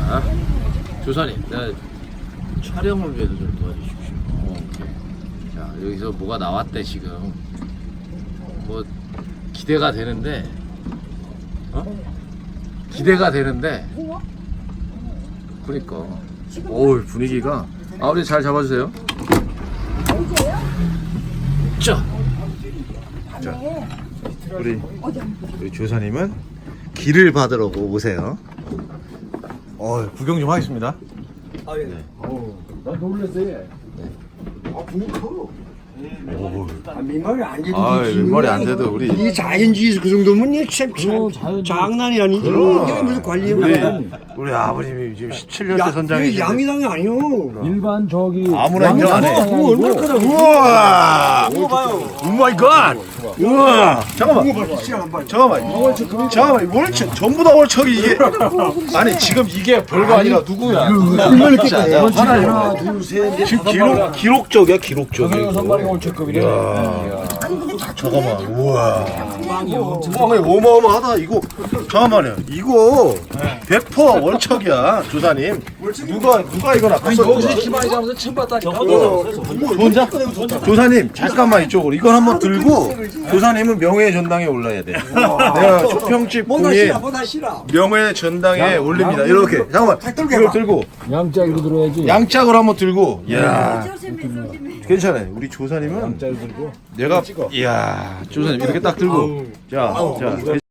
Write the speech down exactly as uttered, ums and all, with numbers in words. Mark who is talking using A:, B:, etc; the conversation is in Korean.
A: 자, 조사님, 나 촬영을 위해서 좀 도와주십시오. 어, 오케이. 자, 여기서 뭐가 나왔대 지금. 뭐 기대가 되는데, 어? 기대가 되는데. 그러니까. 어우 분위기가. 아, 우리 잘 잡아주세요. 자, 자, 우리 우리 조사님은 길을 받으러 오세요. 어, 구경 좀 하겠습니다.
B: 아, 예.
A: 네.
B: 어우, 나 놀랐어요. 아, 분이 커.
A: 오.
B: 아, 민머리 안 돼도.
A: 아, 민머리 안 돼도 우리
B: 이 자연주의 그 정도면 이 참, 참 장난이 아니지. 이게 무슨 관리야.
A: 우리 우리 아버님이 지금 십칠 년째 선장이신데
B: 양이당이 아니요.
C: 일반 저기
A: 아무나 인정 안 해.
B: 그거 얼마나 크다.
A: 우와!
B: 그거 봐요.
A: 오 마이 갓! 우와! 잠깐만.
B: 그거 봐, 시간 한 번.
A: 잠깐만. 잠깐만. 월척 전부 다 월척이 이게 아니 지금 이게 별거 아니라 누구야?
B: 얼마나 크다.
A: 하나,
C: 하나 둘 셋
A: 지금 기록 기록적이야 기록적.
C: 선발이 올체급이래.
A: 잠깐만. 우와. 어마어마 어마어마하다 이거. 잠깐만요. 이거 백 퍼센트 월척이야 조사님. 누가 누가 이거 낚았어?
C: 여기서 이렇게 많이 잡아서 처음 봤다.
A: 조사? 조사님 잠깐만 이쪽으로 이걸 한번 들고 조사님은 명예 전당에 올라야 돼. 내가 초평집
B: 보다
A: 공예
B: 싫어, 보다 싫어.
A: 명예 전당에 올립니다. 이렇게 잠깐만 이걸 들고
C: 양짝으로 들어야지.
A: 양짝으로 한번 들고. 야 괜찮아요. 우리 조사님은
C: 양짝으로 들고.
A: 내가 이야 조사님 이렇게 딱 들고 자 자.